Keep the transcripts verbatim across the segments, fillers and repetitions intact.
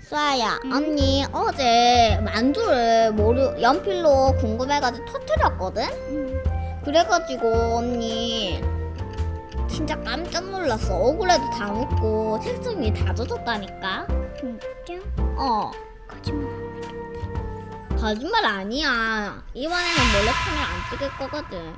수아야, 언니 어제 만두를 모르 연필로 궁금해가지고 터뜨렸거든? 그래가지고 언니 진짜 깜짝 놀랐어. 얼굴에도 다 묻고 책상이 다 젖었다니까. 진짜? 어, 거짓말. 거짓말 아니야. 이번에는 몰래 카메라 안 찍을 거거든.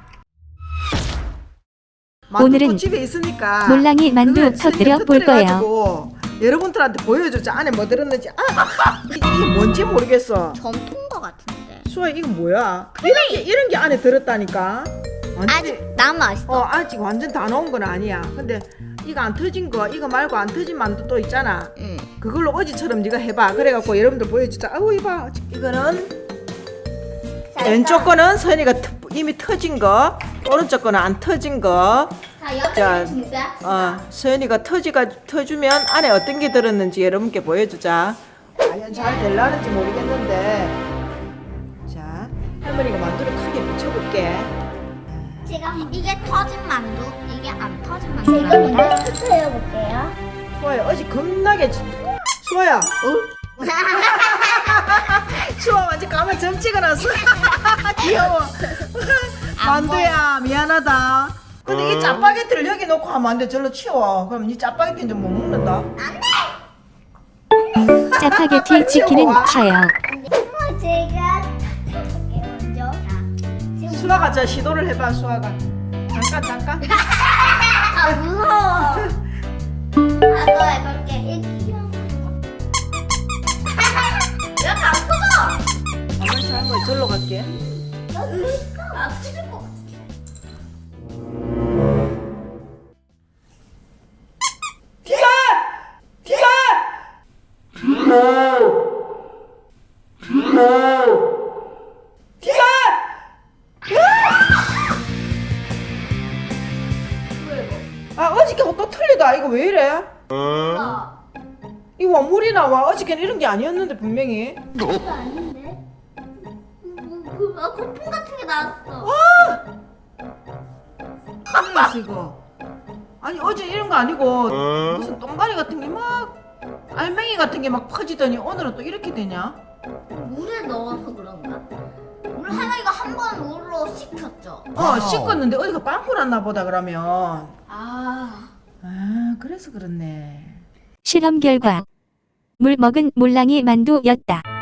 오늘은 집에 있으니까 몰랑이 만두 그걸 터뜨려 볼 터뜨려가지고 여러분들한테 보여줬죠. 안에 뭐 들었는지. 아, 아, 이게 뭔지 모르겠어. 점통인 거 같은데. 수아 이거 뭐야? 이런 게 이런 게 안에 들었다니까. 완전히- 아직 남아 있어. 어 아직 완전 다 넣은 건 아니야. 근데 이거 안 터진 거 이거 말고 안 터진 만두 또 있잖아. 응. 그걸로 어제처럼 네가 해봐. 그래갖고 여러분들 보여주자. 아우 이봐. 이거는 왼쪽 거는 선이가 터- 이미 터진 거, 오른쪽 거는 안 터진 거. 자, 자, 옆에 준비합시다. 어, 서연이가 터지가 터주면 안에 어떤 게 들었는지 여러분께 보여주자. 과연 잘 될라는지 모르겠는데. 자, 할머니가 만두를 크게 비춰볼게. 지금 이게 터진 만두, 이게 안 터진 제가 만두랍니다. 먼저 터트려 볼게요. 수아야, 어제 겁나게 지- 수아야, 어? 수아 완전 까만 점 찍어놨어. 귀여워. 만두야, 미안하다. 근데 이 짜파게티를 여기 놓고 하면 안 돼. 절로 치워. 그럼 이 짜파게티는 좀 못 먹는다. 짜파게티 치킨은 파요. 엄마 제가 터트려볼게요 먼저. 자, 지금 수아가 저 시도를 해봐. 수아가 잠깐 잠깐. 아, 무서워. 나도 해볼게. 이렇게 이렇게 안 터져. 가만히 할머니 절로 갈게. 아, 터질 것 같아. 뒤가! 뒤가! 뒤가! 아 어저께 또 틀리다. 이거 왜 이래? 이거 와 물이 나와. 어저께는 이런 게 아니었는데 분명히. 이거 아닌데? 그, 아, 거품 같은 게 나왔어. 틀렸어 이거. 아니 어제 이런 거 아니고 무슨 똥가리 같은 게 막 알맹이 같은 게 막 퍼지더니 오늘은 또 이렇게 되냐? 물에 넣어서 그런가? 물 하나이가 한 번 물로 식혔죠. 어 씻었는데 어디가 빵꾸 났나 보다 그러면. 아. 아 그래서 그렇네. 실험 결과 물 먹은 몰랑이 만두였다.